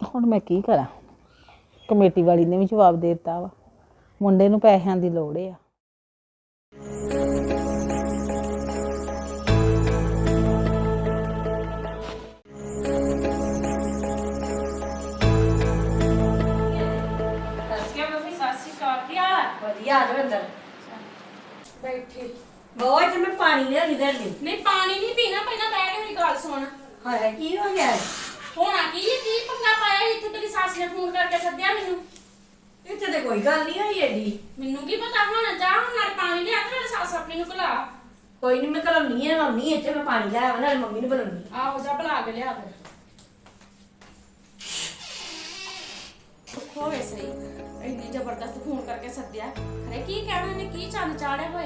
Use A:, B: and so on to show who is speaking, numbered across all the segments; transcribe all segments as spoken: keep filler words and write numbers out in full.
A: ਹੁਣ ਮੈਂ ਕੀ ਕਰਾਂ। ਕਮੇਟੀ ਵਾਲੀ ਨੇ ਵੀ ਜਵਾਬ ਦੇ ਦਿੱਤਾ ਵਾ, ਮੁੰਡੇ ਨੂੰ ਪੈਸਿਆਂ ਦੀ ਲੋੜ ਆ।
B: ਵਧੀਆ ਆ ਜਾਓ ਅੰਦਰ
C: ਬੈਠੇ
B: ਬਹੁਤ ਤੇ ਮੈਂ ਪਾਣੀ ਲਿਆ ਇਧਰ ਲਈ
C: ਨਹੀਂ ਪਾਣੀ ਨਹੀਂ ਪੀਣਾ, ਪਹਿਲਾਂ ਬੈਠ ਮੇਰੀ ਗੱਲ ਸੁਣ।
B: ਹਾਏ ਕੀ ਹੋ ਗਿਆ
C: ਹੋਣਾ ਕੀ ਹੈ, ਕੀ ਪੰਗਾ ਪਾਇਆ ਇੱਥੇ? ਤੇਰੀ ਸੱਸ ਨੇ ਫੋਨ ਕਰਕੇ ਸੱਦਿਆ ਮੈਨੂੰ।
B: ਇੱਥੇ ਤੇ ਕੋਈ ਗੱਲ ਨਹੀਂ ਹੋਈ ਏਡੀ।
C: ਮੈਨੂੰ ਕੀ ਪਤਾ, ਹੁਣ ਜਾ ਹੁਣ ਨਾਲ ਪਾਣੀ ਲਿਆ ਤੇ ਨਾਲ ਸੱਸ ਆਪਣੀ ਨੂੰ ਬੁਲਾ।
B: ਕੋਈ ਨਹੀਂ ਮੈਂ ਘਲਾਉਣੀ ਹੈ ਮੰਮੀ, ਇੱਥੇ ਮੈਂ ਪਾਣੀ ਲਿਆ ਨਾਲ ਮੰਮੀ ਨੂੰ ਬੁਲਾਉਣੀ।
C: ਆਹੋ ਜਾ ਬੁਲਾ ਕੇ ਲਿਆ ਫਿਰ। ਹੋਵੇ ਸਹੀ, ਇੰਨੀ ਜ਼ਬਰਦਸਤ ਫੋਨ ਕਰਕੇ ਸੱਦਿਆ, ਖਰੇ ਕੀ ਕਹਿਣਾ ਇਹਨੇ, ਕੀ ਚੰਨ ਚਾੜੇ ਹੋਏ।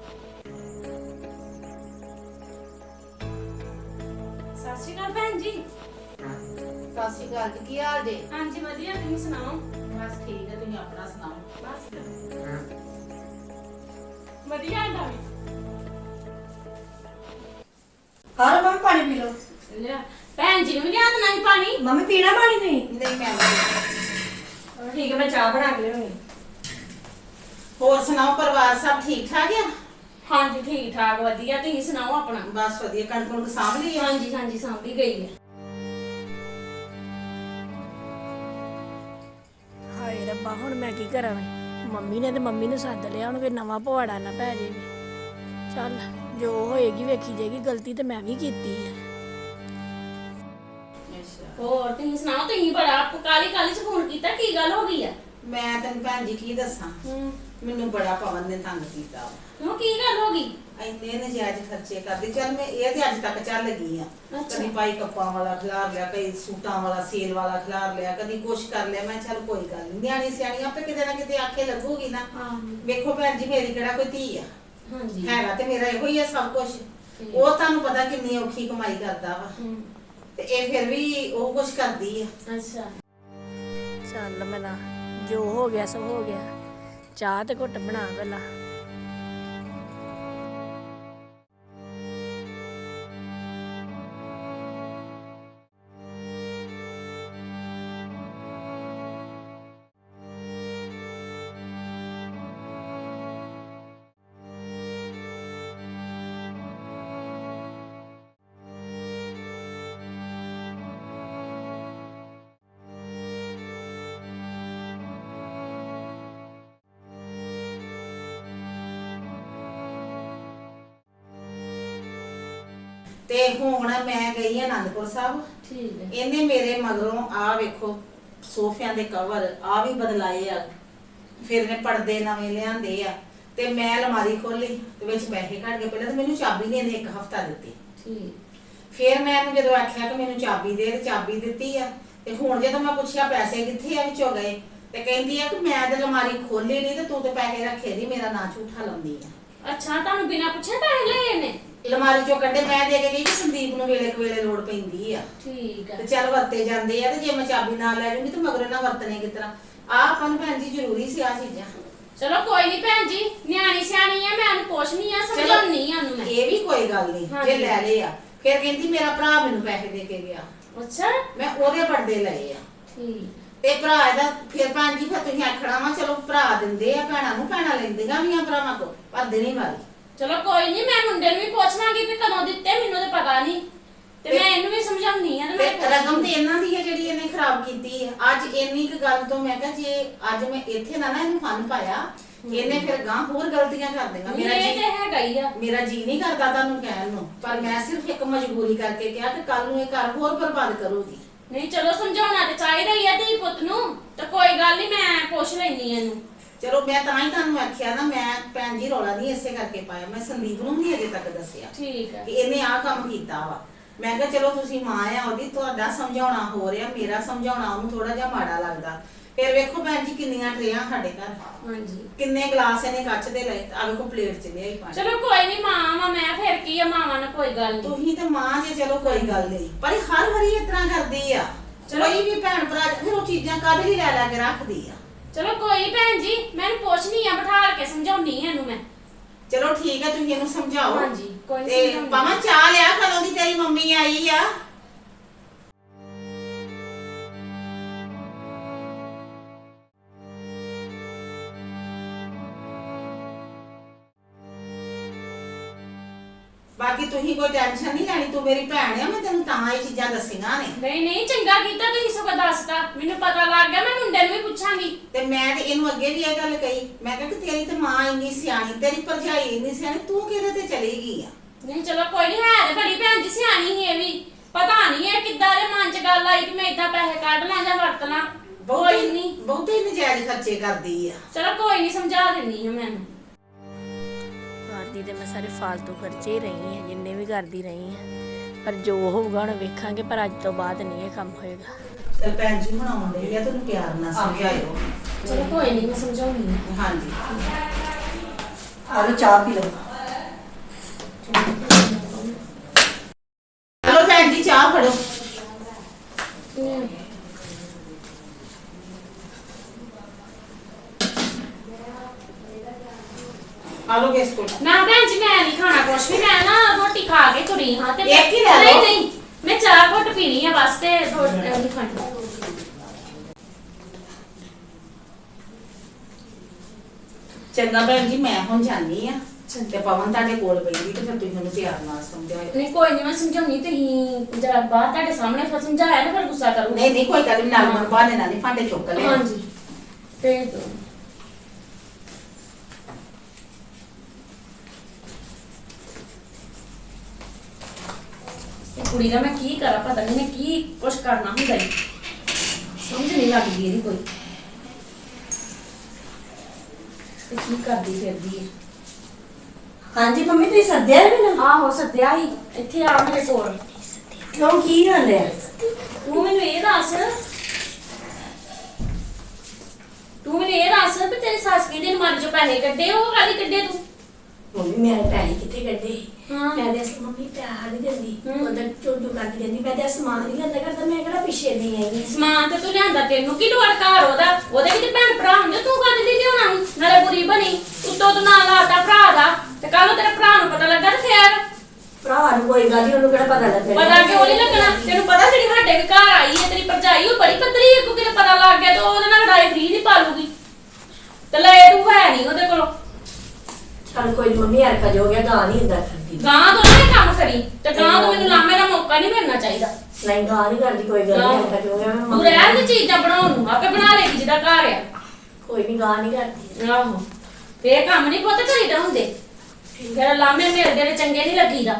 C: ਸਤਿ ਸ਼੍ਰੀ ਅਕਾਲ ਭੈਣ ਜੀ।
D: ਸਤਿ ਸ਼੍ਰੀ ਅਕਾਲ ਜੀ, ਕੀ ਹਾਲ ਜੇ?
C: ਹਾਂਜੀ ਵਧੀਆ, ਤੁਸੀਂ ਸੁਣਾਓ?
D: ਬਸ ਠੀਕ ਹੈ, ਤੁਸੀਂ ਆਪਣਾ ਸੁਣਾਓ?
C: ਬਸ ਵਧੀਆ ਆਂਦਾ ਵੀ।
B: ਹਾਂ ਮੰਮੀ ਪਾਣੀ ਪੀ ਲਓ।
C: ਲਿਆ ਭੈਣ ਜੀ ਨੂੰ ਵੀ ਲਿਆ ਦੇਣਾ ਸੀ ਪਾਣੀ।
B: ਮੰਮੀ ਪੀਣਾ ਪਾਣੀ ਨਹੀਂ?
D: ਨਹੀਂ ਮੈਂ ਨਹੀਂ।
B: ਠੀਕ ਹੈ ਮੈਂ ਚਾਹ ਬਣਾ ਕੇ ਲਿਆਉਣੀ।
D: ਹੋਰ ਸੁਣਾਓ, ਪਰਿਵਾਰ ਸਭ ਠੀਕ ਠਾਕ ਆ?
C: ਹਾਂਜੀ ਠੀਕ ਠਾਕ ਵਧੀਆ, ਤੁਸੀਂ ਸੁਣਾਓ ਆਪਣਾ?
D: ਬਸ ਵਧੀਆ। ਕਣਕ ਕੁਣਕ ਸਾਂਭ ਲਈ ਆ?
C: ਹਾਂਜੀ ਹਾਂਜੀ ਸਾਂਭੀ ਗਈ ਹੈ।
E: ਹਾਏ ਰੱਬਾ ਹੁਣ ਮੈਂ ਕੀ ਕਰਾਂ? ਮੰਮੀ ਨੇ ਤੇ ਮੰਮੀ ਨੂੰ ਸੱਦ ਲਿਆ, ਹੁਣ ਕੋਈ ਨਵਾਂ ਪਵਾੜਾ ਨਾ ਪੈ ਜੇ। ਚੱਲ ਜੋ ਹੋਏਗੀ ਵੇਖੀ ਜਾਏਗੀ, ਗਲਤੀ ਤੇ ਮੈਂ ਵੀ ਕੀਤੀ ਹੈ।
D: ਅੱਛਾ,
C: ਹੋਰ ਤੁਸੀਂ ਸੁਣਾਓ? ਤੁਸੀਂ ਬੜਾ ਕਾਲੀ ਕਾਲੀ ਚ ਫੋਨ ਕੀਤਾ, ਕੀ ਗੱਲ ਹੋ ਗਈ ਆ?
D: ਮੈਂ ਤੈਨੂੰ ਭੈਣ ਜੀ ਕੀ ਦੱਸਾਂ,
C: ਹੂੰ
D: ਮੈਨੂੰ ਬੜਾ ਪਵਨ ਨੇ ਤੰਗ ਕੀਤਾ ਵਾ।
C: ਕਿਉਂ, ਕੀ ਗੱਲ ਹੋ ਗਈ?
D: ਇੰਨੇ ਨਜਾਇਜ਼ ਖਰਚੇ ਕਰਦੀ। ਚੱਲ ਮੈਂ ਇਹ ਤੇ ਅੱਜ ਤੱਕ ਚੱਲ ਗਈ ਆ।
C: ਅੱਛਾ।
D: ਕਦੀ ਪਾਈ ਕੱਪਾਂ ਵਾਲਾ ਖਿਲਾਰ ਲਿਆ, ਕਦੀ ਸੂਟਾਂ ਵਾਲਾ ਸੇਲ ਵਾਲਾ ਖਿਲਾਰ ਲਿਆ, ਕਦੀ ਕੁਛ ਕਰ ਲਿਆ। ਮੈਂ ਚੱਲ ਕੋਈ ਗੱਲ ਨਹੀਂ, ਨਿਆਣੀ ਸਿਆਣੀ ਆਪੇ ਕਿਤੇ ਨਾ ਕਿਤੇ ਆਖੇ ਲੱਗੂਗੀ ਨਾ।
C: ਹਾਂ
D: ਵੇਖੋ ਭੈਣ ਜੀ, ਮੇਰੀ ਕਿਹੜਾ ਕੋਈ ਧੀ ਆ?
C: ਹਾਂਜੀ
D: ਹੈਗਾ ਤੇ ਮੇਰਾ ਇਹੋ ਹੀ ਆ ਸਭ ਕੁਝ। ਉਹ ਤੁਹਾਨੂੰ ਪਤਾ ਕਿੰਨੀ ਔਖੀ ਕਮਾਈ ਕਰਦਾ ਵਾ,
C: ਹੂੰ
D: ਤੇ ਇਹ ਫਿਰ ਵੀ ਉਹ ਕੁਛ ਕਰਦੀ ਆ।
C: ਅੱਛਾ
E: ਚੱਲ ਮਨਾ ਜੋ ਹੋ ਗਿਆ ਸੋ ਹੋ ਗਿਆ। ਚਾਹ ਤੇ ਘੁੱਟ ਬਣਾ ਪਹਿਲਾਂ।
D: ਤੇ ਹੁਣ ਮੈਂ ਗਈ ਆ ਆਨੰਦਪੁਰ ਸਾਹਿਬ।
C: ਠੀਕ ਹੈ।
D: ਇਹਨੇ ਮੇਰੇ ਮਗਰੋਂ ਆ ਵੇਖੋ ਸੋਫਿਆਂ ਦੇ ਕਵਰ ਆ ਵੀ ਬਦਲਾਏ ਆ, ਫਿਰ ਇਹਨੇ ਪਰਦੇ ਨਵੇਂ ਲਿਆਂਦੇ ਆ, ਤੇ ਮੈਂ ਅਲਮਾਰੀ ਖੋਲੀ ਤੇ ਵਿੱਚ ਪੈਸੇ ਕੱਢ ਕੇ ਪਹਿਲਾਂ ਤਾਂ ਮੈਨੂੰ ਚਾਬੀ ਨੇ ਇਹਨੇ ਇੱਕ ਹਫਤਾ ਦਿੱਤੀ।
C: ਠੀਕ
D: ਫਿਰ ਮੈਂ ਇਹਨੂੰ ਜਦੋਂ ਆਖਿਆ ਕਿ ਮੈਨੂੰ ਚਾਬੀ ਦੇ, ਤੇ ਚਾਬੀ ਦਿੱਤੀ ਆ। ਤੇ ਹੁਣ ਜਦੋਂ ਮੈਂ ਪੁੱਛਿਆ ਪੈਸੇ ਕਿੱਥੇ ਆ ਵਿੱਚੋਂ ਗਏ, ਤੇ ਕਹਿੰਦੀ ਆ ਕਿ ਮੈਂ ਤੇ ਅਲਮਾਰੀ ਖੋਲੀ ਨਹੀਂ ਤੇ ਤੂੰ ਤੇ ਪੈਸੇ ਰੱਖੇ ਨਹੀਂ, ਮੇਰਾ ਨਾਂ ਝੂਠਾ ਲਾਉਂਦੀ ਆ।
C: ਅੱਛਾ, ਤੁਹਾਨੂੰ ਬਿਨਾਂ ਪੁੱਛੇ ਪੈਸੇ ਲਏ ਇਹਨੇ?
D: ਅਲਮਾਰੀ ਚੋਂ ਕੱਢੇ, ਮੈਂ ਦੇ ਕੇ ਗਈ ਕਿ ਸੰਦੀਪ ਨੂੰ ਵੇਲੇ ਕੁ ਵੇਲੇ ਲੋੜ ਪੈਂਦੀ ਆ,
C: ਠੀਕ ਹੈ।
D: ਤੇ ਚੱਲ ਵਰਤੇ ਜਾਂਦੇ ਆ। ਤੇ ਜੇ ਮੈਂ ਚਾਬੀ ਨਾਲ ਲੈ ਜੂੰਗੀ ਤੇ ਮਗਰੋਂ ਨਾ ਵਰਤਣੇ ਕਿਸ ਤਰ੍ਹਾਂ? ਆ ਆਪਾਂ ਨੂੰ ਭੈਣ ਜੀ ਜ਼ਰੂਰੀ ਸੀ ਆ ਚੀਜ਼ਾਂ।
C: ਚਲੋ ਕੋਈ ਨਹੀਂ ਭੈਣ ਜੀ, ਨਿਆਣੀ ਸਿਆਣੀ ਆ, ਮੈਂ ਉਹਨੂੰ ਪੁੱਛਣੀ ਆ, ਸਮਝਾਉਣੀ ਆ ਉਹਨੂੰ ਮੈਂ।
D: ਇਹ ਵੀ ਕੋਈ ਗੱਲ ਨਹੀਂ ਜੇ ਲੈ ਲਏ ਆ। ਫਿਰ ਕਹਿੰਦੀ ਮੇਰਾ ਭਰਾ ਮੈਨੂੰ ਪੈਸੇ ਦੇ ਕੇ ਗਿਆ,
C: ਅੱਛਾ
D: ਮੈਂ ਉਹਦੇ ਪਰਦੇ ਲਏ ਆ।
C: ਠੀਕ
D: ਤੇ ਭਰਾ ਇਹਦਾ ਫਿਰ ਭੈਣ ਜੀ ਫਿਰ ਤੁਸੀਂ ਆਖਣਾ ਵਾ ਚਲੋ ਭਰਾ ਦਿੰਦੇ ਆ ਭੈਣਾਂ ਨੂੰ, ਭੈਣਾਂ ਲੈਂਦੀਆਂ ਵੀ ਆ ਭਰਾਵਾਂ ਕੋ, ਪਰ ਦੇਣੀ ਵਾਲੀ।
C: ਚਲੋ ਕੋਈ ਨਹੀਂ, ਮੈਂ ਮੁੰਡੇ ਨੂੰ ਵੀ ਪੁੱਛ ਲਾਂਗੀ ਵੀ ਕਦੋਂ ਦਿੱਤੇ, ਮੈਨੂੰ ਤਾਂ ਪਤਾ ਨਹੀਂ, ਤੇ ਮੈਂ ਇਹਨੂੰ ਵੀ ਸਮਝਾਉਣੀ ਆ।
D: ਤੇ ਰਕਮ ਤੇ ਇਹਨਾਂ ਦੀ ਹੈ ਜਿਹੜੀ ਇਹਨੇ ਖਰਾਬ ਕੀਤੀ ਹੈ। ਅੱਜ ਇੰਨੀ ਕੁ ਗੱਲ ਤੋਂ ਮੈਂ ਕਿਹਾ ਜੇ ਅੱਜ ਮੈਂ ਇੱਥੇ ਨਾ ਨਾ ਇਹਨੂੰ ਫਨ ਪਾਇਆ, ਇਹਨੇ ਫਿਰ ਗਾਂ ਹੋਰ ਗਲਤੀਆਂ ਕਰ ਦੇਣਾ। ਮੇਰਾ
C: ਇਹ
D: ਜੀ
C: ਤੇ ਹੈਗਾ ਹੀ ਆ।
D: ਮੇਰਾ ਜੀ ਨਹੀਂ ਕਰਦਾ ਤੁਹਾਨੂੰ ਕਹਿਣ ਨੂੰ, ਪਰ ਮੈਂ ਸਿਰਫ ਇੱਕ ਮਜਬੂਰੀ ਕਰਕੇ ਕਿਹਾ ਕਿ ਕੱਲ ਨੂੰ ਇਹ ਘਰ ਹੋਰ ਬਰਬਾਦ ਕਰੂਗੀ।
C: ਨਹੀਂ ਚਲੋ ਸਮਝਾਉਣਾ ਤੇ ਚਾਹੀਦਾ ਹੀ ਆ ਧੀ ਪੁੱਤ ਨੂੰ, ਤੇ ਕੋਈ ਗੱਲ ਨਹੀਂ, ਮੈਂ ਪੁੱਛ ਲੈਣੀ ਇਹਨੂੰ।
D: ਚਲੋ ਮੈਂ ਤਾਂ ਹੀ ਤੁਹਾਨੂੰ ਆਖਿਆ ਨਾ, ਮੈਂ ਭੈਣ ਜੀ ਰੌਲਾ ਨਹੀਂ ਇਸੇ ਕਰਕੇ ਪਾਇਆ। ਮੈਂ ਸੰਦੀਪ ਨੂੰ ਨਹੀਂ ਅਜੇ ਤੱਕ ਦੱਸਿਆ
C: ਠੀਕ ਹੈ
D: ਕਿ ਇਹਨੇ ਆਹ ਕੰਮ ਕੀਤਾ ਵਾ। ਮੈਂ ਕਿਹਾ ਚਲੋ ਤੁਸੀਂ ਮਾਂ ਆ ਉਹਦੀ, ਤੁਹਾਡਾ ਸਮਝਾਉਣਾ ਹੋ ਰਿਹਾ, ਮੇਰਾ ਸਮਝਾਉਣਾ ਉਹਨੂੰ ਥੋੜਾ ਜਿਹਾ ਮਾੜਾ ਲੱਗਦਾ। ਫਿਰ ਵੇਖੋ ਭੈਣ ਜੀ ਕਿੰਨੀਆਂ ਟਰੇਆਂ ਸਾਡੇ ਘਰ,
C: ਹਾਂਜੀ
D: ਕਿੰਨੇ ਗਲਾਸ ਇਹਨੇ ਕੱਚ ਦੇ ਲਏ, ਆ ਵੇਖੋ ਪਲੇਟ ਚ ਲਿਆ ਹੀ ਪਾਣੀ।
C: ਚਲੋ ਕੋਈ ਨਹੀਂ, ਮਾਂ ਵਾ ਮੈਂ, ਫਿਰ ਕੀ ਆ, ਮਾਵਾਂ ਨਾਲ ਕੋਈ ਗੱਲ ਨਹੀਂ।
D: ਤੁਸੀਂ ਤੇ ਮਾਂ ਜੇ, ਚਲੋ ਕੋਈ ਗੱਲ ਨਹੀਂ, ਪਰ ਇਹ ਹਰ ਵਾਰੀ ਇਸ ਤਰ੍ਹਾਂ ਕਰਦੀ ਆ। ਕੋਈ ਵੀ ਭੈਣ ਭਰਾ ਫਿਰ ਉਹ ਚੀਜ਼ਾਂ ਕਾਹਦੇ ਲਈ ਲੈ ਲੈ ਕੇ ਰੱਖਦੀ ਆ।
C: ਚਲੋ ਕੋਈ ਨਹੀਂ ਭੈਣ ਜੀ, ਮੈਂ ਇਹਨੂੰ ਪੁੱਛਣੀ ਆ, ਬਿਠਾ ਕੇ ਸਮਝਾਉਣੀ ਆ ਇਹਨੂੰ ਮੈਂ।
D: ਚਲੋ ਠੀਕ ਹੈ, ਤੁਸੀਂ ਇਹਨੂੰ ਸਮਝਾਓ।
C: ਹਾਂਜੀ ਕੋਈ
D: ਤੇ
C: ਸਮਝਾਉਣੀ।
D: ਪਾਵਾਂ ਚਾਹ ਲਿਆ, ਕਦੋਂ ਦੀ ਤੇਰੀ ਮੰਮੀ ਆਈ ਆ? ਬਾਕੀ ਤੁਸੀਂ ਕੋਈ ਟੈਨਸ਼ਨ ਨਹੀਂ ਲੈਣੀ, ਤੂੰ ਮੇਰੀ ਭੈਣ ਆ, ਮੈਂ ਤੈਨੂੰ ਤਾਂ ਇਹ ਚੀਜ਼ਾਂ ਦੱਸੀਆਂ ਨੇ।
C: ਨਹੀਂ ਨਹੀਂ ਚੰਗਾ ਕੀਤਾ ਤੁਸੀਂ ਸਗੋਂ ਦੱਸਤਾ, ਮੈਨੂੰ ਪਤਾ ਲੱਗ ਗਿਆ, ਮੈਂ ਮੁੰਡੇ ਨੂੰ ਵੀ ਪੁੱਛਾਂਗੀ।
D: ਤੇ ਮੈਂ ਤੇ ਇਹਨੂੰ ਅੱਗੇ ਵੀ ਇਹ ਗੱਲ ਕਹੀ, ਮੈਂ ਕਿਹਾ ਕਿ ਤੇਰੀ ਤੇ ਮਾਂ ਇੰਨੀ ਸਿਆਣੀ, ਤੇਰੀ ਭਰਜਾਈ ਇੰਨੀ ਸਿਆਣੀ, ਤੂੰ ਕਿਹਦੇ ਤੇ ਚਲੀ ਗਈ ਆ।
C: ਨਹੀਂ ਚਲੋ ਕੋਈ ਨਹੀਂ, ਹੈ ਤੇ ਬੜੀ ਭੈਣ ਜੀ ਸਿਆਣੀ ਸੀ ਇਹ ਵੀ, ਪਤਾ ਨਹੀਂ ਇਹ ਕਿੱਦਾਂ ਦੇ ਮਨ 'ਚ ਗੱਲ ਆਈ ਕਿ ਮੈਂ ਇਦਾਂ ਪੈਸੇ ਕੱਢ ਲਾਂ ਜਾਂ ਵਰਤ ਲਾਂ। ਕੋਈ ਨਹੀਂ,
D: ਬਹੁਤੇ ਨਜਾਇਜ਼ ਖਰਚੇ ਕਰਦੀ ਆ।
C: ਚਲੋ ਕੋਈ ਨਹੀਂ, ਸਮਝਾ ਦਿੰਨੀ ਆ ਮੈਨੂੰ।
E: ਕਰਦੀ ਤੇ ਮੈਂ ਸਾਰੇ ਫਾਲਤੂ ਖਰਚੇ ਹੀ ਰਹੀ ਹਾਂ ਜਿੰਨੇ ਵੀ ਕਰਦੀ ਰਹੀ ਹਾਂ, ਪਰ ਜੋ ਹੋਊਗਾ ਹੁਣ ਵੇਖਾਂਗੇ, ਪਰ ਅੱਜ ਤੋਂ ਬਾਅਦ ਨਹੀਂ ਇਹ ਕੰਮ ਹੋਏਗਾ।
D: ਚਲ ਭੈਣ ਜੀ ਹੁਣ ਆਉਣ ਡਈ ਆ, ਤੈਨੂੰ ਪਿਆਰ ਨਾਲ ਸਮਝਾਇਓ।
C: ਚਲੋ ਕੋਈ ਨਹੀਂ, ਮੈਂ ਸਮਝਾਉਂਗੀ।
D: ਹਾਂਜੀ
B: ਆ ਲਓ ਚਾਹ ਪੀ ਲਓ।
D: ਚਲੋ ਭੈਣ ਜੀ ਚਾਹ ਫੜੋ। ਆਲੂ ਬਿਸਕੁਟ
C: ਨਾ ਭੈਣ ਜੀ ਮੈਂ ਨਹੀਂ ਖਾਣਾ ਕੁਛ ਵੀ, ਮੈਂ ਨਾ ਰੋਟੀ ਖਾ ਕੇ ਤੁਰੀ ਹਾਂ ਤੇ
D: ਇੱਕ ਹੀ ਲੈ ਲਓ।
C: ਨਹੀਂ ਨਹੀਂ ਮੈਂ ਚਾਹ ਘੁੱਟ ਪੀਣੀ ਆ ਬਸ, ਤੇ ਰੋਟੀ ਨਹੀਂ ਖਾਣੀ।
D: ਚੰਗਾ ਭੈਣ ਜੀ ਮੈਂ ਹੁਣ ਜਾਣੀ ਆ, ਤੇ ਪਵਨ ਤੁਹਾਡੇ ਕੋਲ ਬੈਠੀ ਤੇ ਫਿਰ ਤੁਸੀਂ ਮੈਨੂੰ ਪਿਆਰ ਨਾਲ ਸਮਝਾਇਓ।
C: ਨਹੀਂ ਕੋਈ ਨਹੀਂ, ਮੈਂ ਸਮਝਾਉਣੀ, ਤੁਸੀਂ ਜਰਾ ਬਾਹਰ ਤੁਹਾਡੇ ਸਾਹਮਣੇ ਫਿਰ ਸਮਝਾਇਆ ਨਾ, ਫਿਰ ਗੁੱਸਾ ਕਰੂੰਗੀ।
D: ਨਹੀਂ ਨਹੀਂ ਕੋਈ ਗੱਲ ਨੀ, ਨਾਲ ਮਨ ਬਾਹਨੇ ਨਾਲ ਨੀ ਭਾਂਡੇ ਚੁੱਕ ਲੈ।
C: ਹਾਂਜੀ ਭੇਜ ਦਿਓ। ਇਹ ਕੁੜੀ ਦਾ ਮੈਂ ਕੀ ਕਰਾਂ, ਪਤਾ ਨਹੀਂ ਮੈਂ ਕੀ ਕੁਛ ਕਰਨਾ ਹੁੰਦਾ ਹੀ, ਸਮਝ ਨਹੀਂ ਲੱਗਦੀ ਇਹਦੀ ਕੋਈ, ਤੇ ਕੀ ਕਰਦੀ ਫਿਰਦੀ ਹੈ।
B: ਹਾਂਜੀ ਮੰਮੀ ਤੁਸੀਂ ਸੱਦਿਆ ਹੈ ਮੈਨੂੰ?
C: ਆਹੋ ਸੱਦਿਆ ਹੀ, ਇੱਥੇ ਆ ਮੇਰੇ ਕੋਲ।
B: ਕਿਉਂ ਕੀ ਗੱਲ ਹੈ?
C: ਤੂੰ ਮੈਨੂੰ ਇਹ ਦੱਸ ਤੂੰ ਮੈਨੂੰ ਇਹ ਦੱਸ ਵੀ ਤੇਰੀ ਸੱਸ ਕਹਿੰਦੀ ਅਲਮਾਰੀ ਚੋਂ ਪੈਸੇ ਕੱਢੇ, ਉਹ ਕਾਹਦੀ ਕੱਢੇ ਤੂੰ?
B: ਮੰਮੀ ਮੇਰੇ ਪੈਸੇ ਕਿੱਥੇ ਕੱਢੇ?
C: ਹਾਂ।
B: ਮੈਂ ਤੇ ਅਸਲ ਮੰਮੀ ਪਿਆਰ ਨਹੀਂ ਦਿੰਦੀ,
C: ਹਮ।
B: ਉਹਦਾ ਚੋਟੂ ਕਰਦੀ ਰਹਿੰਦੀ, ਮੈਂ ਤੇ ਸਮਾਨ ਨਹੀਂ ਲੈਂਦਾ ਕਰਦਾ, ਮੈਂ ਕਿਹੜਾ ਪਿੱਛੇ ਦੀ ਆਈ।
C: ਸਮਾਨ ਤੇ ਤੂੰ ਲਿਆਂਦਾ, ਤੈਨੂੰ ਕੀ ਲੋੜ ਘਰ ਉਹਦਾ? ਉਹਦੇ ਵੀ ਤੇ ਭੈਣ ਭਰਾ ਹੁੰਦੇ, ਤੂੰ ਕਦੇ ਦੀ ਲਿਆਉਣਾ ਸੀ? ਨਾਲੇ ਬੁਰੀ ਬਣੀ ਉੱਤੋਂ ਤੂੰ ਨਾਲ ਲਾਤਾ ਭਰਾ ਦਾ, ਤੇ ਕੱਲ ਤੇਰੇ ਭਰਾ ਨੂੰ ਪਤਾ ਲੱਗਾ ਤੇ ਫੇਰ
B: ਭਰਾ ਨੂੰ ਕੋਈ ਗੱਲ ਨਹੀਂ, ਉਹਨੂੰ ਕਿਹੜਾ ਪਤਾ ਲੱਗਣਾ?
C: ਪਤਾ ਕਿਉਂ ਨਹੀਂ ਲੱਗਣਾ? ਤੈਨੂੰ ਪਤਾ ਜਿਹੜੀ ਸਾਡੇ ਘਰ ਆਈ ਹੈ ਤੇਰੀ ਭਰਜਾਈ, ਉਹ ਬੜੀ ਪੱਧਰੀ ਹੈ, ਕਿਉਂਕਿ ਤੈਨੂੰ ਪਤਾ ਲੱਗ ਗਿਆ ਤੇ ਉਹਦੇ ਨਾਲ ਲੜਾਈ ਫਰੀ ਨਹੀਂ ਪਾਲੂਗੀ, ਤੇ ਲੈ ਤੂੰ ਹੈ ਨਹੀਂ ਉਹਦੇ ਕੋਲੋਂ।
B: ਚੱਲ ਕੋਈ ਨੀ ਮੰਮੀ, ਯਾਰ ਕਜ ਹੋ ਗਿਆ, ਗਾਂ ਨਹੀਂ ਹੁੰਦਾ ਕਰਦੀ।
C: ਗਾਂ ਤੋਂ ਨਾ ਇਹ ਕੰਮ ਕਰੀ, ਤੇ ਗਾਂ ਤੋਂ ਮੈਨੂੰ ਲਾਮੇ ਦਾ ਮੌਕਾ ਨਹੀਂ ਮਿਲਣਾ ਚਾਹੀਦਾ।
B: ਨਹੀਂ ਗਾਂ ਨਹੀਂ ਕਰਦੀ, ਕੋਈ ਗੱਲ ਨਹੀਂ, ਯਾਰ ਕਜ ਹੋ ਗਿਆ।
C: ਤੂੰ ਰਹਿਣ ਦੇ ਚੀਜ਼ਾਂ ਬਣਾਉਣ ਨੂੰ, ਆਪੇ ਬਣਾ ਲੇਗੀ ਜਿਹਦਾ ਘਰ ਆ।
B: ਕੋਈ ਨਹੀਂ ਗਾਂ ਨਹੀਂ ਕਰਦੀ।
C: ਆਹੋ ਤੇ ਇਹ ਕੰਮ ਨਹੀਂ ਪੁੱਤ ਕਰੀਦਾ ਹੁੰਦੇ, ਜਿਹੜਾ ਲਾਮੇ ਮਿਲਦੇ ਨੇ ਚੰਗੇ ਨਹੀਂ ਲੱਗੀਦਾ,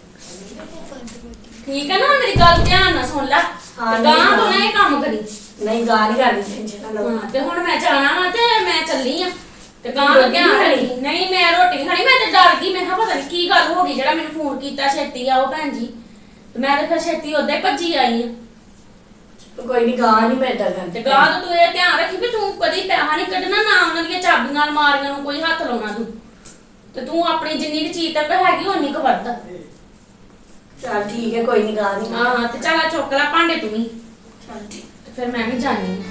C: ਠੀਕ ਹੈ ਨਾ? ਮੇਰੀ ਗੱਲ ਧਿਆਨ ਨਾਲ ਸੁਣ ਲੈ,
B: ਹਾਂ,
C: ਤੇ ਗਾਂ
B: ਨਹੀਂ,
C: ਤੋਂ ਨਾ ਇਹ ਕੰਮ ਕਰੀ।
B: ਨਹੀਂ ਗਾਂ ਨਹੀਂ ਕਰਦੀ, ਟੈਨਸ਼ਨ ਨਾ ਲਓ।
C: ਹਾਂ, ਤੇ ਹੁਣ ਮੈਂ ਜਾਣਾ ਵਾ ਤੇ ਮੈਂ ਚੱਲੀ ਆ, ਤੇ ਗਾਂ ਦਾ ਧਿਆਨ ਰੱਖੀ। ਨਹੀਂ ਮੈਂ ਰੋਟੀ ਨਹੀਂ ਖਾਣੀ, ਮੈਂ ਤੇ ਡਰ ਗਈ, ਮੈਂ ਕਿਹਾ ਪਤਾ ਨਹੀਂ ਕੀ ਗੱਲ ਹੋ ਗਈ, ਜਿਹੜਾ ਮੈਨੂੰ ਫੋਨ ਕੀਤਾ ਛੇਤੀ ਆਓ ਭੈਣ ਜੀ, ਤੇ ਮੈਂ ਤੇ ਫਿਰ ਛੇਤੀ ਉੱਦਾਂ ਹੀ ਭੱਜੀ ਆਈ ਆ।
B: ਕੋਈ ਨਹੀਂ ਗਾਂ ਨਹੀਂ ਮੈਂ ਏਦਾਂ
C: ਤੇ
B: ਕਰਦੀ।
C: ਗਾਂ ਤੋਂ ਤੂੰ ਇਹ ਧਿਆਨ ਰੱਖੀ ਵੀ ਤੂੰ ਕਦੀ ਪੈਸਾ ਨਹੀਂ ਕੱਢਣਾ, ਨਾ ਉਹਨਾਂ ਦੀਆਂ ਚਾਬੀਆਂ ਅਲਮਾਰੀਆਂ ਨੂੰ ਕੋਈ ਹੱਥ ਲਾਉਣਾ ਤੂੰ, ਤੇ ਤੂੰ ਆਪਣੀ ਜਿੰਨੀ ਕੁ ਚੀਜ਼ ਤੱਕ ਹੈਗੀ ਓਨੀ ਕੁ ਵਰਤ।
B: ਚੱਲ ਠੀਕ ਹੈ, ਕੋਈ ਨਹੀਂ ਗਾਂ ਨਹੀਂ।
C: ਹਾਂ ਤੇ ਚੱਲ ਆ ਚੁੱਕ ਲੈ ਭਾਂਡੇ ਤੂੰ ਵੀ,
B: ਚੱਲ ਠੀਕ।
C: ਤੇ ਫਿਰ ਮੈਂ ਵੀ ਜਾਣੀ ਆ।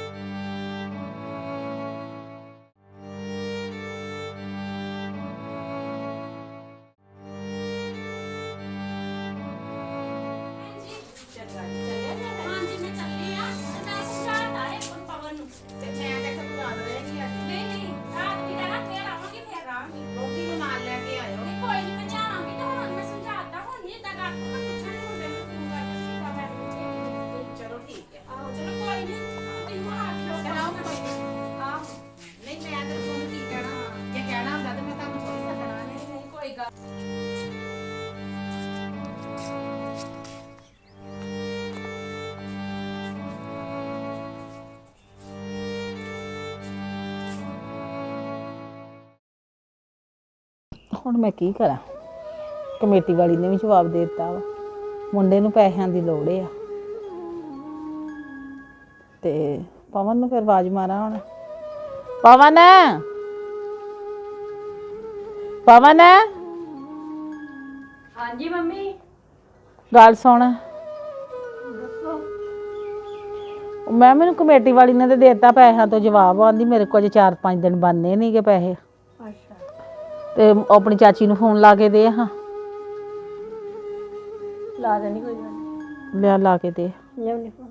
C: ਹਾਂਜੀ ਮੈਂ ਚੱਲੀ ਆ, ਤੇ ਮੈਂ ਸਮਝਾਤਾ ਹੈ ਪਵਨ ਨੂੰ।
D: ਤੇ ਮੈਂ ਤੇ ਖਤਮ ਲਾ ਰਹੀ ਆ।
C: ਨਹੀਂ ਨਹੀਂ ਰਾਤ ਵੀ ਰਹਿਣਾ, ਫੇਰ ਆਵਾਂਗੇ, ਫੇਰ ਆਵਾਂਗੇ।
D: ਰੋਟੀ ਨੂੰ ਨਾਲ ਲੈ ਕੇ ਆਇਓ।
C: ਨਹੀਂ ਕੋਈ ਨਹੀਂ, ਮੈਂ ਜਾਵਾਂਗੀ, ਤੇ ਹੁਣ ਮੈਂ ਸਮਝਾਤਾ, ਹੁਣ ਨਹੀਂ ਏਦਾਂ ਕਰ ਤੂੰ, ਮੈਂ ਪੁੱਛਾਂਗੀ ਮੁੰਡੇ ਨੂੰ ਫੋਨ ਕਰਕੇ ਸੀਤਾ ਮੈਂ ਨੂੰ।
D: ਚਲੋ ਠੀਕ ਹੈ।
C: ਆਹੋ ਚਲੋ ਕੋਈ ਨਹੀਂ, ਤੁਸੀਂ ਹੁਣ ਆਖਿਓ
D: ਕਰਾਓ ਕੋਈ ਨੀ। ਆਹੋ ਨਹੀਂ ਮੈਂ ਤੇ ਤੁਹਾਨੂੰ ਕੀ ਕਹਿਣਾ, ਜੇ ਕਹਿਣਾ ਹੁੰਦਾ ਤੇ ਮੈਂ ਤੁਹਾਨੂੰ ਥੋੜੀ ਸੱਦਣਾ।
C: ਨਹੀਂ ਨਹੀਂ ਕੋਈ ਗੱਲ।
A: ਹੁਣ ਮੈਂ ਕੀ ਕਰਾਂ, ਕਮੇਟੀ ਵਾਲੀ ਨੇ ਵੀ ਜਵਾਬ ਦੇ ਦਿੱਤਾ ਵਾ, ਮੁੰਡੇ ਨੂੰ ਪੈਸਿਆਂ ਦੀ ਲੋੜ ਆ, ਤੇ ਪਵਨ ਨੂੰ ਫਿਰ ਆਵਾਜ਼ ਮਾਰਾਂ ਹੁਣ। ਪਵਨ ਪਵਨ
E: ਹਾਂਜੀ ਮੰਮੀ
A: ਗੱਲ ਸੁਣ। ਮੈਂ ਮੈਨੂੰ ਕਮੇਟੀ ਵਾਲੀ ਨੇ ਤੇ ਦੇਤਾ ਪੈਸਿਆਂ ਤੋਂ ਜਵਾਬ, ਆਂਦੀ ਮੇਰੇ ਕੋਲ ਚਾਰ ਪੰਜ ਦਿਨ ਬਣਨੇ ਨਹੀਂਗੇ ਪੈਸੇ,
E: ਅੱਛਾ
A: ਤੇ ਆਪਣੀ ਚਾਚੀ ਨੂੰ ਫੋਨ ਲਾ ਕੇ ਦੇ ਹਾਂ।
E: ਲਾ ਦੇਣੀ, ਕੋਈ ਗੱਲ ਨਹੀਂ,
A: ਲਿਆ ਲਾ ਕੇ ਦੇ।
E: ਲਿਆਉਣੀ ਫੋਨ।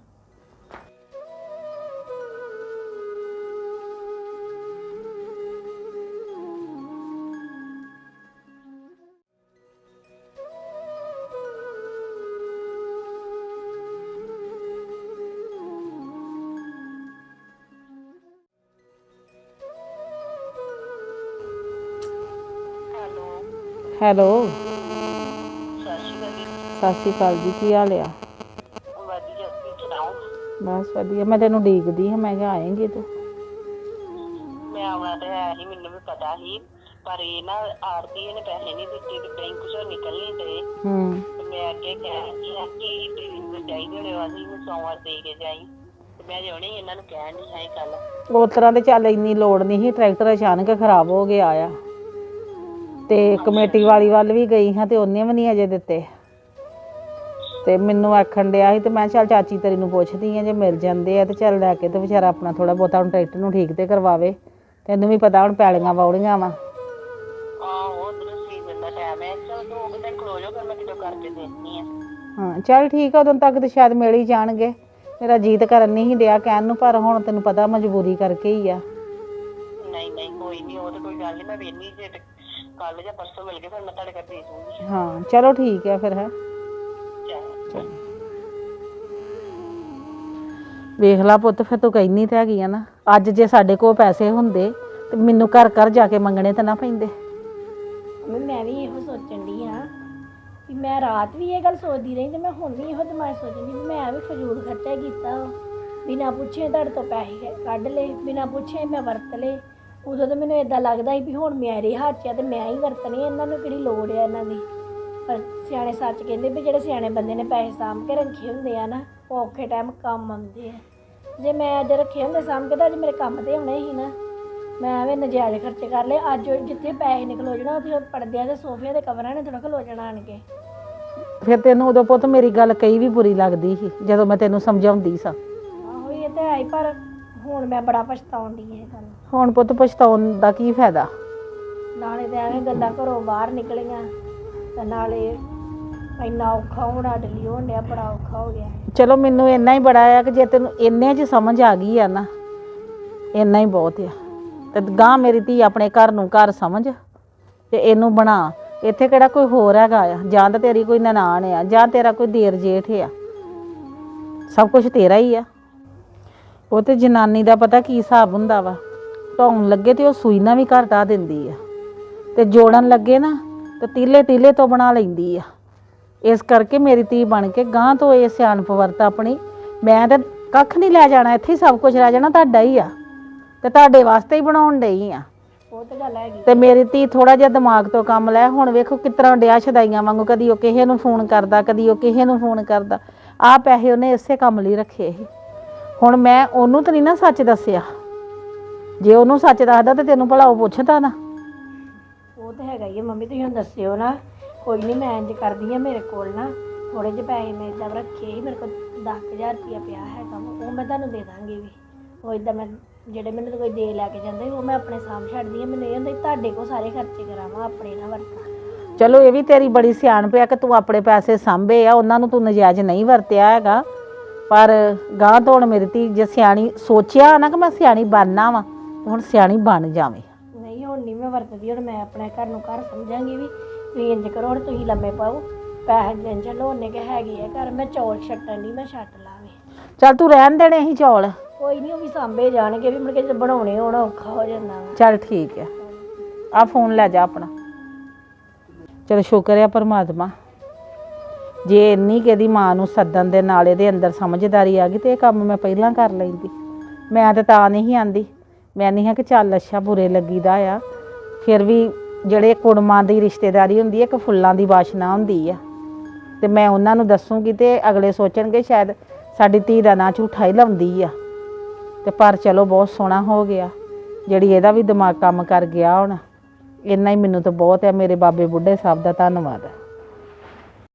A: ਹੈਲੋ
F: ਸਤਿ ਸ਼੍ਰੀ ਅਕਾਲ ਜੀ।
A: ਸਤਿ ਸ਼੍ਰੀ ਅਕਾਲ ਜੀ, ਕੀ ਹਾਲ ਆ?
F: ਵਧੀਆ, ਤੁਸੀਂ ਸੁਣਾਓ?
A: ਬਸ ਵਧੀਆ, ਮੈਂ ਤੈਨੂੰ ਉਡੀਕਦੀ ਹਾਂ, ਮੈਂ ਕਿਹਾ ਆਏਂਗੀ ਤੂੰ।
F: ਮੈਂ ਆਉਣਾ ਤੇ ਹੈ ਹੀ, ਮੈਨੂੰ ਵੀ ਪਤਾ ਸੀ, ਪਰ ਇਹ ਨਾ ਆੜਤੀ ਨੇ ਪੈਸੇ ਨਹੀਂ ਦਿੱਤੇ ਤੇ ਬੈਂਕ ਚੋਂ ਨਿਕਲ ਨਹੀਂ ਦੇ।
A: ਹੂੰ
F: ਤੇ ਮੈਂ ਅੱਗੇ ਕਹਿ ਆ ਕਿ ਤੈਨੂੰ ਚਾਹੀਦੇ ਹੋਣੇ ਵਾ ਸੀ ਸੋਮਵਾਰ ਦੇ ਕੇ ਜਾਈ, ਤੇ ਮੈਂ ਜਿਉਣੇ ਇਹਨਾਂ ਨੂੰ ਕਹਿਣ ਨਹੀਂ ਹੈ ਕੱਲ।
A: ਉਸ ਤਰ੍ਹਾਂ ਤੇ ਚੱਲ ਇੰਨੀ ਲੋੜ ਨਹੀਂ ਸੀ, ਟਰੈਕਟਰ ਅਚਾਨਕ ਖਰਾਬ ਹੋ ਗਿਆ ਆ ਤੇ ਕਮੇਟੀ ਵਾਲੀ ਵੱਲ ਵੀ ਗਈ ਹਾਂ ਤੇ ਉਹਨੇ ਵੀ ਨਹੀਂ ਅਜੇ ਦਿੱਤੇ। ਤੇ ਮੈਨੂੰ ਆਖਣ ਡਿਆ ਸੀ ਤੇ ਮੈਂ ਚੱਲ ਚਾਚੀ ਤੇਰੀ ਨੂੰ ਪੁੱਛਦੀ ਆ, ਜੇ ਮਿਲ ਜਾਂਦੇ ਆ ਤੇ ਚੱਲ ਲੈ ਕੇ ਤੇ ਵਿਚਾਰਾ ਆਪਣਾ ਥੋੜਾ ਬਹੁਤਾ ਹੁਣ ਟਰੈਕਟਰ ਨੂੰ ਠੀਕ ਤੇ ਕਰਵਾਵੇ। ਤੈਨੂੰ ਵੀ ਪਤਾ ਹੁਣ ਪੈਲੀਆਂ ਵਾਉਣੀਆਂ ਵਾ।
F: ਆਹੋ ਉਧਰ ਸੀਜ਼ਨ ਦਾ ਟਾਈਮ ਹੈ, ਚਲ ਦੋ ਕੁ ਦਿਨ ਖਲੋ ਜਾਓ, ਫਿਰ ਮੈਂ ਕਿਦੋਂ ਕਰਕੇ ਦੇਣੀ ਆ।
A: ਹਾਂ ਚੱਲ ਠੀਕ ਆ, ਉਦੋਂ ਤੱਕ ਤੇ ਸ਼ਾਇਦ ਮਿਲ ਹੀ ਜਾਣਗੇ। ਮੇਰਾ ਜੀਤ ਕਰਨ ਨਹੀਂ ਸੀ ਡਿਆ ਕਹਿਣ ਨੂੰ, ਪਰ ਹੁਣ ਤੈਨੂੰ ਪਤਾ ਮਜਬੂਰੀ ਕਰਕੇ ਹੀ ਆ।
F: ਨਹੀਂ ਨਹੀਂ ਕੋਈ ਨਹੀਂ, ਉਹ ਤਾਂ ਕੋਈ ਗੱਲ ਨਹੀਂ, ਮੈਂ ਵੇਹਨੀ ਜੇ ਕੱਲ ਜਾਂ ਪਰਸੋਂ ਮਿਲ ਕੇ ਫਿਰ ਮੈਂ ਤੁਹਾਡੇ ਘਰ ਦੇ ਦੂੰਗੀ।
A: ਹਾਂ ਚਲੋ ਠੀਕ ਆ ਫਿਰ ਹੈ।
F: ਚਲ
A: ਵੇਖ ਲਾ ਪੁੱਤ, ਫਿਰ ਤੂੰ ਕਹਿੰਦੀ ਤਾਂ ਹੈਗੀ ਆ ਨਾ, ਅੱਜ ਜੇ ਸਾਡੇ ਕੋਲ ਪੈਸੇ ਹੁੰਦੇ ਤੇ ਮੈਨੂੰ ਘਰ ਘਰ ਜਾ ਕੇ ਮੰਗਣੇ ਤਾਂ ਨਾ ਪੈਂਦੇ।
E: ਮੈਂ ਵੀ ਇਹੋ ਸੋਚਣ ਡਈ ਆ ਵੀ ਮੈਂ ਰਾਤ ਵੀ ਇਹ ਗੱਲ ਸੋਚਦੀ ਰਹੀ ਤੇ ਮੈਂ ਹੁਣ ਵੀ ਇਹੋ ਦਿਮਾਗ ਸੋਚਦੀ ਵੀ ਮੈਂ ਵੀ ਫਜ਼ੂਲ ਖਰਚਾ ਕੀਤਾ, ਬਿਨਾਂ ਪੁੱਛੇ ਤੁਹਾਡੇ ਤੋਂ ਪੈਸੇ ਕੱਢ ਲਏ, ਬਿਨਾਂ ਪੁੱਛੇ ਮੈਂ ਵਰਤ ਲਏ। ਉਦੋਂ ਤਾਂ ਮੈਨੂੰ ਇਦਾਂ ਲੱਗਦਾ ਸੀ ਵੀ ਹੁਣ ਮੇਰੇ ਹੱਥ 'ਚ ਆ ਤੇ ਮੈਂ ਹੀ ਵਰਤਣੇ, ਇਹਨਾਂ ਨੂੰ ਕਿਹੜੀ ਲੋੜ ਆ ਇਹਨਾਂ ਦੀ। ਪਰ ਸਿਆਣੇ ਸੱਚ ਕਹਿੰਦੇ ਵੀ ਜਿਹੜੇ ਸਿਆਣੇ ਬੰਦੇ ਨੇ ਪੈਸੇ ਸਾਂਭ ਕੇ ਰੱਖੇ ਹੁੰਦੇ ਆ ਨਾ, ਉਹ ਔਖੇ ਟਾਈਮ ਕੰਮ ਆਉਂਦੇ ਆ। ਜੇ ਮੈਂ ਅੱਜ ਰੱਖੇ ਹੁੰਦੇ ਸਾਂਭ ਕੇ ਤਾਂ ਅੱਜ ਮੇਰੇ ਕੰਮ ਤੇ ਆਉਣੇ ਸੀ ਨਾ। ਮੈਂ ਐਵੇਂ ਨਜਾਇਜ਼ ਖਰਚੇ ਕਰ ਲਏ। ਅੱਜ ਜਿੱਥੇ ਪੈਸੇ ਨੇ ਖਲੋ ਜਾਣਾ ਉੱਥੇ ਪਰਦਿਆਂ ਦੇ ਸੋਫਿਆਂ ਦੇ ਕਵਰਾਂ ਨੇ ਥੋੜ੍ਹਾ ਖਲੋ ਜਾਣਾ ਆਣ ਕੇ।
A: ਫਿਰ ਤੈਨੂੰ ਉਦੋਂ ਪੁੱਤ ਮੇਰੀ ਗੱਲ ਕਈ ਵੀ ਬੁਰੀ ਲੱਗਦੀ ਸੀ ਜਦੋਂ ਮੈਂ ਤੈਨੂੰ ਸਮਝਾਉਂਦੀ ਸਾਂ।
E: ਆਹੋ ਇਹ ਤਾਂ ਹੈ ਹੀ, ਪਰ ਹੁਣ ਮੈਂ ਬੜਾ ਪਛਤਾਉਂਦੀ ਇਹ ਗੱਲ।
A: ਹੁਣ ਪੁੱਤ ਪਛਤਾਉਣ ਦਾ ਕੀ ਫਾਇਦਾ?
E: ਨਾਲੇ ਤਾਂ ਐਵੇਂ ਗੱਲਾਂ ਘਰੋਂ ਬਾਹਰ ਨਿਕਲੀਆਂ ਤੇ ਨਾਲੇ ਇੰਨਾ ਔਖਾ ਹੁਣ ਸਾਡੇ ਲਈ ਹੋਣ ਡਿਆ, ਬੜਾ ਔਖਾ ਹੋ ਗਿਆ।
A: ਚਲੋ ਮੈਨੂੰ ਇੰਨਾ ਹੀ ਬੜਾ ਆ ਕਿ ਜੇ ਤੈਨੂੰ ਇੰਨੇ 'ਚ ਸਮਝ ਆ ਗਈ ਆ ਨਾ, ਇੰਨਾ ਹੀ ਬਹੁਤ ਆ। ਤੇ ਗਾਂ ਮੇਰੀ ਧੀ ਆਪਣੇ ਘਰ ਨੂੰ ਘਰ ਸਮਝ ਤੇ ਇਹਨੂੰ ਬਣਾ। ਇੱਥੇ ਕਿਹੜਾ ਕੋਈ ਹੋਰ ਹੈਗਾ ਆ? ਜਾਂ ਤਾਂ ਤੇਰੀ ਕੋਈ ਨਨਾਣ ਆ, ਜਾਂ ਤੇਰਾ ਕੋਈ ਦੇਰ ਜੇਠ ਆ, ਸਭ ਕੁਝ ਤੇਰਾ ਹੀ ਆ। ਉਹ ਤੇ ਜਨਾਨੀ ਦਾ ਪਤਾ ਕੀ ਹਿਸਾਬ ਹੁੰਦਾ ਵਾ, ਢਾਉਣ ਲੱਗੇ ਤੇ ਉਹ ਸੂਈ ਨਾਲ ਵੀ ਘਰ ਢਾ ਦਿੰਦੀ ਆ, ਤੇ ਜੋੜਨ ਲੱਗੇ ਨਾ ਤੇ ਤੀਲੇ ਤੀਲੇ ਤੋਂ ਬਣਾ ਲੈਂਦੀ ਆ। ਇਸ ਕਰਕੇ ਮੇਰੀ ਧੀ ਬਣ ਕੇ ਗਾਂ ਤੋਂ ਇਹ ਸਿਆਣਪ ਵਰਤ ਆਪਣੀ। ਮੈਂ ਤਾਂ ਕੱਖ ਨਹੀਂ ਲੈ ਜਾਣਾ, ਇੱਥੇ ਹੀ ਸਭ ਕੁਝ ਰਹਿ ਜਾਣਾ, ਤੁਹਾਡਾ ਹੀ ਆ ਤੇ ਤੁਹਾਡੇ ਵਾਸਤੇ ਹੀ ਬਣਾਉਣ ਡਈ ਆ।
E: ਉਹ ਤਾਂ ਗੱਲ ਹੈਗੀ।
A: ਤੇ ਮੇਰੀ ਧੀ ਥੋੜਾ ਜਿਹਾ ਦਿਮਾਗ ਤੋਂ ਕੰਮ ਲੈ। ਹੁਣ ਵੇਖੋ ਕਿਸ ਤਰ੍ਹਾਂ ਡਿਆ ਛਦਾਈਆਂ ਵਾਂਗੂ, ਕਦੀ ਉਹ ਕਿਸੇ ਨੂੰ ਫੋਨ ਕਰਦਾ, ਕਦੀ ਉਹ ਕਿਸੇ ਨੂੰ ਫੋਨ ਕਰਦਾ। ਆਹ ਪੈਸੇ ਉਹਨੇ ਇਸੇ ਕੰਮ ਲਈ ਰੱਖੇ ਸੀ। ਹੁਣ ਮੈਂ ਉਹਨੂੰ ਤਾਂ ਨਹੀਂ ਨਾ ਸੱਚ ਦੱਸਿਆ। ਜੇ ਉਹਨੂੰ ਸੱਚ ਦੱਸਦਾ ਤੇ ਤੈਨੂੰ ਭਲਾ ਉਹ ਪੁੱਛਦਾ ਨਾ।
E: ਉਹ ਤਾਂ ਹੈਗਾ ਹੀ ਆ ਮੰਮੀ, ਤੁਸੀਂ ਹੁਣ ਦੱਸਿਓ ਨਾ। ਕੋਈ ਨਹੀਂ, ਮੈਂ ਇੰਝ ਕਰਦੀ ਹਾਂ, ਮੇਰੇ ਕੋਲ ਨਾ ਥੋੜ੍ਹੇ ਜਿਹੇ ਪੈਸੇ ਮੈਂ ਇੱਦਾਂ ਰੱਖੇ ਸੀ, ਮੇਰੇ ਕੋਲ ਦਸ ਹਜ਼ਾਰ ਰੁਪਇਆ ਪਿਆ ਹੈਗਾ, ਉਹ ਮੈਂ ਤੁਹਾਨੂੰ ਦੇ ਦਾਂਗੀ ਵੀ। ਉਹ ਇੱਦਾਂ ਮੈਂ ਜਿਹੜੇ ਮੈਨੂੰ ਤਾਂ ਕੋਈ ਦੇ ਲੈ ਕੇ ਜਾਂਦੇ ਉਹ ਮੈਂ ਆਪਣੇ ਸਾਂਭ ਛੱਡਦੀ ਹਾਂ। ਮੈਨੂੰ ਇਹ ਹੁੰਦਾ ਤੁਹਾਡੇ ਕੋਲ ਸਾਰੇ ਖਰਚੇ ਕਰਾਵਾਂ, ਆਪਣੇ ਨਾ ਵਰਤਾਂ।
A: ਚਲੋ ਇਹ ਵੀ ਤੇਰੀ ਬੜੀ ਸਿਆਣਪ ਆ ਕਿ ਤੂੰ ਆਪਣੇ ਪੈਸੇ ਸਾਂਭੇ ਆ, ਉਹਨਾਂ ਨੂੰ ਤੂੰ ਨਜਾਇਜ਼ ਨਹੀਂ ਵਰਤਿਆ ਹੈਗਾ। ਪਰ ਗਾਂ ਤੋਂ ਹੁਣ ਮੇਰੀ ਧੀ ਜੇ ਸਿਆਣੀ ਸੋਚਿਆ ਨਾ ਕਿ ਮੈਂ ਸਿਆਣੀ ਬਣਨਾ ਵਾ, ਹੁਣ ਸਿਆਣੀ ਬਣ ਜਾਵੇ।
E: ਨਹੀਂ ਹੁਣ ਨਹੀਂ ਮੈਂ ਵਰਤਦੀ, ਹੁਣ ਮੈਂ ਆਪਣੇ ਘਰ ਨੂੰ ਘਰ ਸਮਝਾਂਗੀ ਵੀ ਤੁਸੀਂ ਇੰਝ ਕਰੋ, ਹੁਣ ਤੁਸੀਂ ਲੰਮੇ ਪਾਓ, ਪੈਸੇ ਦਿਨ ਚਲੋ ਉਹਨੇ ਕਿ ਹੈਗੇ ਆ ਘਰ। ਮੈਂ ਚੌਲ ਛੱਟਣ ਦੀ, ਮੈਂ ਛੱਟ ਲਾਵੇ।
A: ਚੱਲ ਤੂੰ ਰਹਿਣ ਦੇਣੇ ਸੀ ਚੌਲ।
E: ਕੋਈ ਨਹੀਂ, ਉਹ ਵੀ ਸਾਂਭੇ ਜਾਣਗੇ, ਵੀ ਮੁੜ ਕੇ ਜਦੋਂ ਬਣਾਉਣੇ ਹੋਣਾ ਔਖਾ ਹੋ ਜਾਂਦਾ ਵਾ।
A: ਚੱਲ ਠੀਕ ਆ, ਆ ਫੋਨ ਲੈ ਜਾ ਆਪਣਾ। ਚਲ ਸ਼ੁਕਰ ਆ ਪਰਮਾਤਮਾ, ਜੇ ਇੰਨੀ ਕਿ ਇਹਦੀ ਮਾਂ ਨੂੰ ਸੱਦਣ ਦੇ ਨਾਲ ਇਹਦੇ ਅੰਦਰ ਸਮਝਦਾਰੀ ਆ ਗਈ ਤੇ ਇਹ ਕੰਮ ਮੈਂ ਪਹਿਲਾਂ ਕਰ ਲੈਂਦੀ। ਮੈਂ ਤਾਂ ਤਾਂ ਨਹੀਂ ਆਂਦੀ, ਮੈਂ ਨਹੀਂ ਹਾਂ ਕਿ ਚੱਲ ਅੱਛਾ ਬੁਰੇ ਲੱਗੀਦਾ ਆ। ਫਿਰ ਵੀ ਜਿਹੜੇ ਕੁੜਮਾਂ ਦੀ ਰਿਸ਼ਤੇਦਾਰੀ ਹੁੰਦੀ ਹੈ, ਇੱਕ ਫੁੱਲਾਂ ਦੀ ਵਾਸ਼ਨਾ ਹੁੰਦੀ ਆ, ਤੇ ਮੈਂ ਉਹਨਾਂ ਨੂੰ ਦੱਸੂਗੀ ਤੇ ਅਗਲੇ ਸੋਚਣਗੇ ਸ਼ਾਇਦ ਸਾਡੀ ਧੀ ਦਾ ਨਾਂ ਝੂਠਾ ਹੀ ਲਾਉਂਦੀ ਆ। ਤੇ ਪਰ ਚਲੋ ਬਹੁਤ ਸੋਹਣਾ ਹੋ ਗਿਆ, ਜਿਹੜੀ ਇਹਦਾ ਵੀ ਦਿਮਾਗ ਕੰਮ ਕਰ ਗਿਆ। ਹੁਣ ਇੰਨਾ ਹੀ ਮੈਨੂੰ ਤਾਂ ਬਹੁਤ ਹੈ। ਮੇਰੇ ਬਾਬੇ ਬੁੱਢੇ ਸਾਹਿਬ ਦਾ ਧੰਨਵਾਦ।